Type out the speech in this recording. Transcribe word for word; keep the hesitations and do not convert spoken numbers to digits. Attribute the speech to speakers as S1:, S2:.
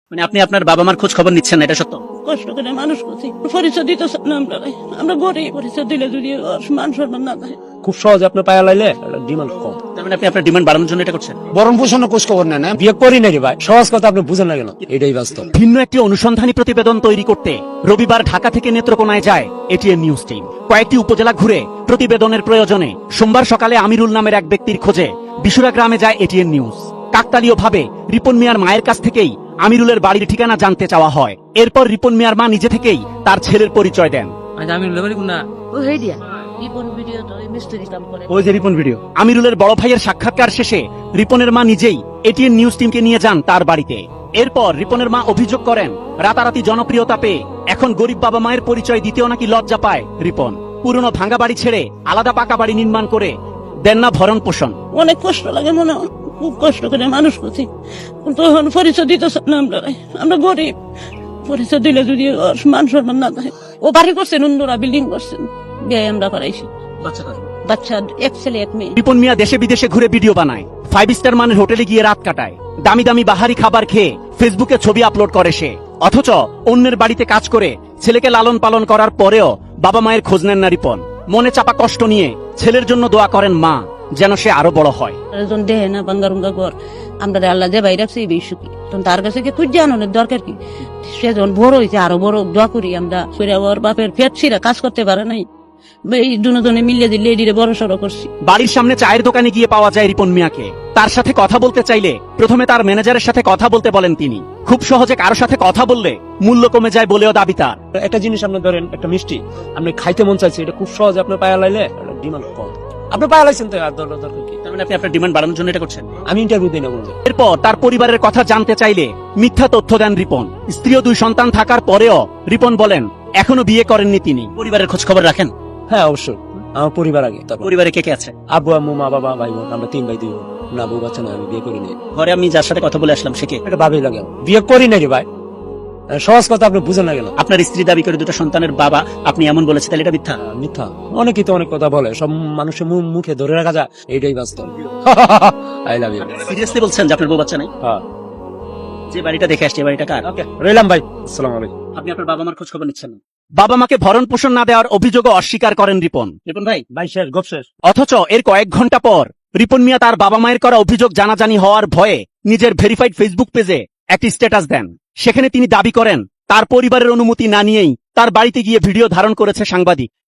S1: মানে আপনি আপনার বাবা মার খোঁজ খবর নিচ্ছেন না, এটা সত্য?
S2: কষ্ট করে মানুষ করছি, পরিচয় দিতেছে না আমরা। আমরা গরিব, পরিচয় দিলে যদি মান সম্মান না থাকে।
S3: খুব সহজে আপনার পায়া লাইলে ডিমান্ড কম।
S1: তার মানে আপনি আপনার ডিমান্ড বাড়ানোর জন্য এটা করছেন?
S3: বরণ পোষণ খোঁজ খবর নেন, বিয়ে করি না রে ভাই, সহজ কথা আপনি বুঝেন না কেন? এটাই বাস্তব।
S4: ভিন্ন একটি অনুসন্ধানী প্রতিবেদন তৈরি করতে রবিবার ঢাকা থেকে নেত্রকোনায় যায় এটিএন নিউজ টিম। কয়েকটি উপজেলা ঘুরে প্রতিবেদনের প্রয়োজনে সোমবার সকালে আমিরুল নামের এক ব্যক্তির খোঁজে বিশুরা গ্রামে যায় এটিএন নিউজ। কাকতালীয় ভাবে রিপন মিয়ার মায়ের কাছ থেকেই আমিরুলের বাড়ির ঠিকানা জানতে চাওয়া হয়। এরপর রিপন মিয়ার মা নিজে থেকেই তার ছেলের পরিচয় দেন।
S1: ওই যে রিপন ভিডিও।
S4: আমিরুলের বড় ভাইয়ের সাক্ষাৎকার শেষে রিপনের মা নিজেই এটিএন নিউজ টিমকে নিয়ে যান তার বাড়িতে। এরপর রিপনের মা অভিযোগ করেন, রাতারাতি জনপ্রিয়তা পেয়ে এখন গরিব বাবা মায়ের পরিচয় দিতেও নাকি লজ্জা পায় রিপন। পুরনো ভাঙ্গা বাড়ি ছেড়ে আলাদা পাকা বাড়ি নির্মাণ করে দেন না ভরণ পোষণ।
S2: অনেক কষ্ট লাগে, মনে হয় খুব কষ্ট করে মানুষ করছি, তখন পরিচয় দিতেছে না আমরা। আমরা গরিব, পরিচয় দিলে যদি মান সম্মান না থাকে। ও বাড়ি করছেন, অন্যরা বিল্ডিং করছেন, বিয়ে আমরা করাইছি। বাচ্চা এক ছেলে এক মেয়ে।
S4: রিপন মিয়া দেশে বিদেশে ঘুরে ভিডিও বানায়, ফাইভ স্টার মানের হোটেলে গিয়ে রাত কাটায়, দামি দামি বাহারি খাবার খেয়ে ফেসবুকে ছবি আপলোড করে সে। অথচ অন্যের বাড়িতে কাজ করে ছেলেকে লালন পালন করার পরেও বাবা মায়ের খোঁজ নেন না রিপন। মনে চাপা কষ্ট নিয়ে ছেলের জন্য দোয়া করেন মা, যেন সে আরো বড় হয়।
S2: দেহে না বাঙ্গারুঙ্গা ঘর, আমরা আল্লাহ যে বাইরে রাখছি এই সুখী, তখন তার কাছে কি খুঁজে আনোর দরকার কি? সে যখন বড় হয়েছে আরো বড় দোয়া করি আমরা। ওর বাপের পেট ছিঁড়া কাজ করতে পারে নাই, এই দুজনে মিলিয়ে দিলে এদিকে বড় সড়ো করছি।
S4: বাড়ির সামনে চায়ের দোকানে গিয়ে পাওয়া যায় রিপন মিয়াকে। তার সাথে কথা বলতে চাইলে প্রথমে তার ম্যানেজারের সাথে কথা বলতে বলেন তিনি। খুব সহজে কারো সাথে কথা বললে মূল্য কমে যায় বলেও দাবি তার।
S3: একটা জিনিস আপনি ধরেন, একটা মিষ্টি আপনি খাইতে মন চাইছে, এটা খুব সহজে আপনার পায়া লাইলে ডিমান্ড কম। আপনি পায়া লাইছেন তো আর দরকার কি?
S1: তার মানে আপনি আপনার ডিমান্ড বাড়ানোর জন্য এটা করছেন?
S3: আমি ইন্টারভিউ দিই না বলতে।
S4: এরপর তার পরিবারের কথা জানতে চাইলে মিথ্যা তথ্য দেন রিপন। স্ত্রী ও দুই সন্তান থাকার পরেও রিপন বলেন এখনো বিয়ে করেননি তিনি।
S1: পরিবারের খোঁজ খবর রাখেন?
S3: হ্যাঁ অবশ্যই, আমার পরিবার আগে। তারপর
S1: পরিবারে কে কে আছে?
S3: আব্বু আম্মু মা বাবা ভাই বোন, আমরা তিন ভাই দুই বোন। না বউ বাচ্চা না, আমি বিয়ে করিনি।
S1: ঘরে আমি যার সাথে কথা বলে আসলাম সে কে?
S3: এটা ভাবেই লাগে, বিয়ে করি না রে ভাই, সহজ কথা আপনি বুঝেন না কেন?
S1: আপনার স্ত্রী দাবি করে দুটো সন্তানের বাবা, আপনি এমন বলেছে, তাহলে এটা মিথ্যা?
S3: মিথ্যা। অনেকেই তো অনেক কথা বলে, সব মানুষের মুখে ধরে রাখা যায়, এইটাই বাস্তব। I love you.
S1: সিরিয়াসলি বলছেন যে আপনার বউ বাচ্চা নাই?
S3: হ্যাঁ।
S1: যে বাড়িটা দেখে আসছে, বাড়িটা কার?
S3: ওকে, রইলাম ভাই, আসসালামু আলাইকুম।
S1: আপনি আপনার বাবা মার খোঁজ খবর নিচ্ছেন না?
S4: বাবা মাকে ভরণ পোষণ না দেওয়ার অভিযোগও অস্বীকার করেন রিপন।
S1: রিপন ভাই,
S3: ভাই শেষ, গপ শেষ।
S4: অথচ এর কয়েক ঘন্টা পর রিপন মিয়া তার বাবা মায়ের করা অভিযোগ জানাজানি হওয়ার ভয়ে নিজের ভেরিফাইড ফেসবুক পেজে একটি স্ট্যাটাস দেন। সেখানে তিনি দাবি করেন তার পরিবারের অনুমতি না নিয়েই তার বাড়িতে গিয়ে ভিডিও ধারণ করেছে সাংবাদিক।